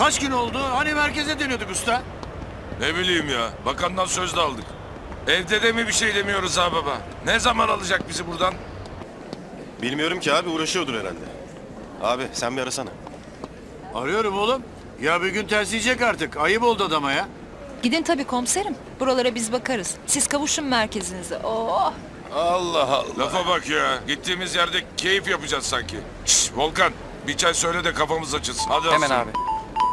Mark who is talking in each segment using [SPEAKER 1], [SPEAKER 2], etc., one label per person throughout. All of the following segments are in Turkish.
[SPEAKER 1] Kaç gün oldu? Hani merkeze dönüyorduk usta?
[SPEAKER 2] Ne bileyim ya. Bakandan söz de aldık. Evde de mi bir şey demiyoruz ha baba? Ne zaman alacak bizi buradan?
[SPEAKER 3] Bilmiyorum ki abi, uğraşıyordur herhalde. Abi sen bir arasana.
[SPEAKER 1] Arıyorum oğlum. Ya bir gün tersleyecek artık. Ayıp oldu adama ya.
[SPEAKER 4] Gidin tabii komiserim. Buralara biz bakarız. Siz kavuşun merkezinize. Oh!
[SPEAKER 3] Allah Allah.
[SPEAKER 2] Lafa bak ya. Gittiğimiz yerde keyif yapacağız sanki. Şşş Volkan. Bir çay söyle de kafamız açılsın. Hadi
[SPEAKER 5] Hemen
[SPEAKER 2] aslanım.
[SPEAKER 5] abi.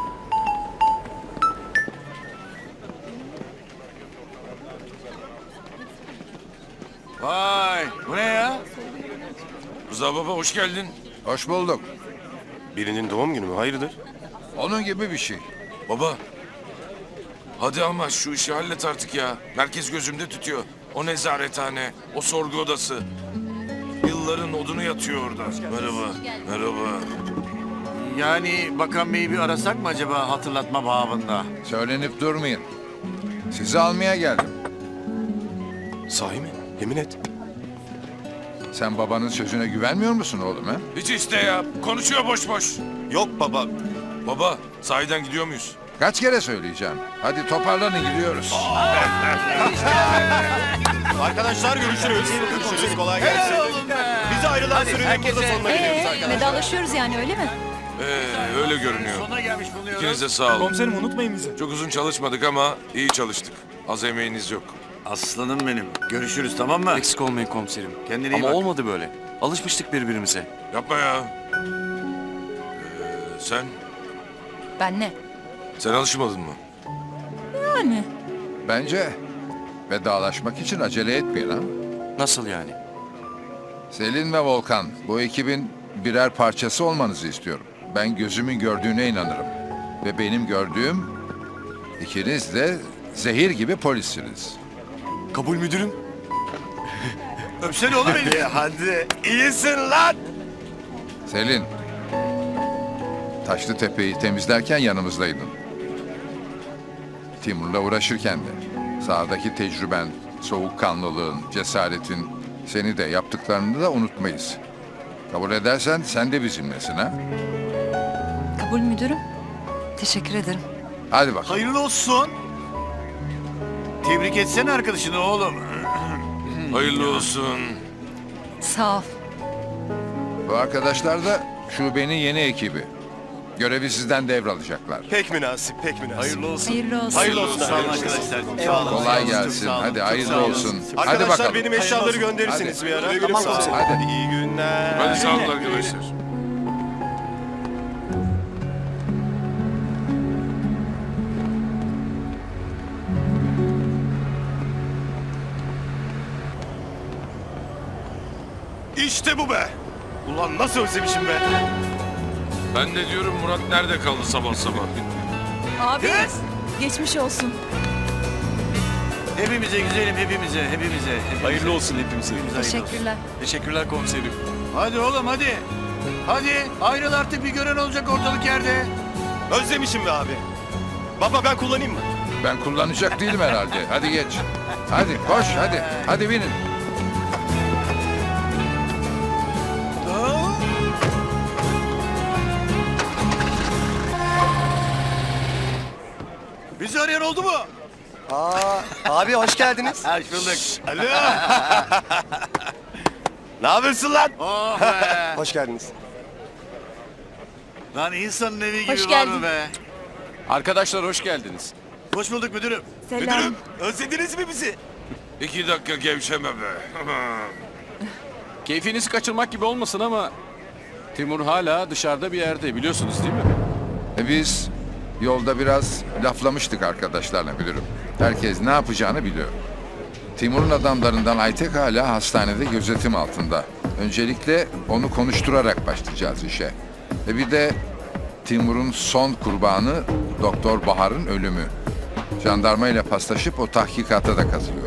[SPEAKER 1] Vay bu ne ya?
[SPEAKER 2] Rıza baba hoş geldin.
[SPEAKER 6] Hoş bulduk.
[SPEAKER 3] Birinin doğum günü mü? Hayırdır?
[SPEAKER 6] Onun gibi bir şey.
[SPEAKER 2] Baba. Hadi ama şu işi hallet artık ya. Merkez gözümde tutuyor. O nezarethane, o sorgu odası. Yılların odunu yatıyor orada. Merhaba, merhaba.
[SPEAKER 1] Yani Bakan Bey'i bir arasak mı acaba hatırlatma babında?
[SPEAKER 6] Söylenip durmayın. Sizi almaya geldim.
[SPEAKER 3] Sahi mi? Yemin et.
[SPEAKER 6] Sen babanın sözüne güvenmiyor musun oğlum ha?
[SPEAKER 2] Hiç iste ya. Konuşuyor boş boş.
[SPEAKER 3] Yok baba.
[SPEAKER 2] Baba, sahiden gidiyor muyuz?
[SPEAKER 6] Kaç kere söyleyeceğim. Hadi toparlanın gidiyoruz.
[SPEAKER 3] Arkadaşlar görüşürüz. Görüşürüz. Kolay gelsin. Bize ayrılan sürenin burada sonuna geliyoruz arkadaşlar.
[SPEAKER 4] Vedalaşıyoruz yani öyle mi?
[SPEAKER 2] Öyle görünüyor.
[SPEAKER 1] Sonuna gelmiş bulunuyoruz.
[SPEAKER 2] İkiniz de sağ olun.
[SPEAKER 5] Komiserim unutmayın bizi.
[SPEAKER 2] Çok uzun çalışmadık ama iyi çalıştık. Az emeğiniz yok.
[SPEAKER 1] Aslanım benim. Görüşürüz tamam mı?
[SPEAKER 5] Eksik olmayın komiserim.
[SPEAKER 1] Kendine iyi
[SPEAKER 5] Ama
[SPEAKER 1] bak.
[SPEAKER 5] olmadı böyle. Alışmıştık birbirimize.
[SPEAKER 2] Yapma ya. Sen
[SPEAKER 4] Ben ne?
[SPEAKER 2] alışmadın mı?
[SPEAKER 4] Yani.
[SPEAKER 6] Bence vedalaşmak için acele etmeyin ha.
[SPEAKER 5] Nasıl yani?
[SPEAKER 6] Selin ve Volkan, bu ekibin birer parçası olmanızı istiyorum. Ben gözümün gördüğüne inanırım. Ve benim gördüğüm, ikiniz de zehir gibi polissiniz.
[SPEAKER 5] Kabul müdürüm.
[SPEAKER 1] Öpsene oğlum beni.
[SPEAKER 3] Hadi. İyisin lan.
[SPEAKER 6] Selin, Taşlıtepe'yi temizlerken yanımızdaydın. Timur'la uğraşırken de. Sahadaki tecrüben, soğukkanlılığın, cesaretin, seni de yaptıklarını da unutmayız. Kabul edersen sen de bizimlesin ha.
[SPEAKER 4] Kabul müdürüm. Teşekkür ederim.
[SPEAKER 6] Hadi bakalım.
[SPEAKER 1] Hayırlı olsun. Tebrik etsene arkadaşını oğlum.
[SPEAKER 2] Hayırlı olsun.
[SPEAKER 4] Sağ ol.
[SPEAKER 6] Bu arkadaşlar da şubenin yeni ekibi. Görevi sizden devralacaklar.
[SPEAKER 3] Pek münasip, pek münasip.
[SPEAKER 1] Hayırlı olsun.
[SPEAKER 4] Hayırlı olsun.
[SPEAKER 3] Hayırlı olsun.
[SPEAKER 1] Sağ olun arkadaşlar. Sağ olun.
[SPEAKER 6] Kolay
[SPEAKER 1] Çok
[SPEAKER 6] gelsin.
[SPEAKER 1] sağ olun.
[SPEAKER 6] Hadi
[SPEAKER 1] Çok
[SPEAKER 6] hayırlı
[SPEAKER 1] sağ olun.
[SPEAKER 6] olsun. Hadi
[SPEAKER 3] Arkadaşlar
[SPEAKER 6] bakalım.
[SPEAKER 3] benim eşyaları gönderirsiniz bir ara.
[SPEAKER 6] Tamam.
[SPEAKER 3] Hadi.
[SPEAKER 6] Hadi.
[SPEAKER 3] İyi günler.
[SPEAKER 2] Hadi sağ olun arkadaşlar.
[SPEAKER 3] İşte bu be. Ulan nasıl özlemişim be.
[SPEAKER 2] Ben de diyorum Murat nerede kaldı sabah sabah?
[SPEAKER 4] Abi. Geçmiş olsun.
[SPEAKER 1] Hepimize güzelim hepimize.
[SPEAKER 5] Hayırlı olsun hepimize.
[SPEAKER 4] Teşekkürler.
[SPEAKER 5] Teşekkürler komiserim.
[SPEAKER 1] Hadi oğlum hadi. Hadi ayrıl artık bir gören olacak ortalık yerde.
[SPEAKER 3] Özlemişim be abi. Baba ben kullanayım mı?
[SPEAKER 6] Ben kullanacak değilim herhalde. Hadi geç. Hadi koş hadi. Hadi binin.
[SPEAKER 1] Bizi arayan oldu mu?
[SPEAKER 3] Abi hoş geldiniz.
[SPEAKER 1] Hoş bulduk.
[SPEAKER 3] Alo. Ne yapıyorsun lan?
[SPEAKER 1] Oh be.
[SPEAKER 3] Hoş geldiniz.
[SPEAKER 1] Lan insanın evi gibi
[SPEAKER 4] Hoş
[SPEAKER 1] var mı
[SPEAKER 4] geldin.
[SPEAKER 1] be?
[SPEAKER 5] Arkadaşlar hoş geldiniz.
[SPEAKER 1] Hoş bulduk müdürüm.
[SPEAKER 4] Selam.
[SPEAKER 3] Özlediniz mi bizi?
[SPEAKER 2] 2 dakika gevşeme be.
[SPEAKER 5] Keyfinizi kaçırmak gibi olmasın ama Timur hala dışarıda bir yerde biliyorsunuz değil mi?
[SPEAKER 6] Biz yolda biraz laflamıştık arkadaşlarla müdürüm. Herkes ne yapacağını biliyor. Timur'un adamlarından Aytek hala hastanede gözetim altında. Öncelikle onu konuşturarak başlayacağız işe. Bir de Timur'un son kurbanı Doktor Bahar'ın ölümü. Jandarma ile paslaşıp o tahkikata da katılıyor.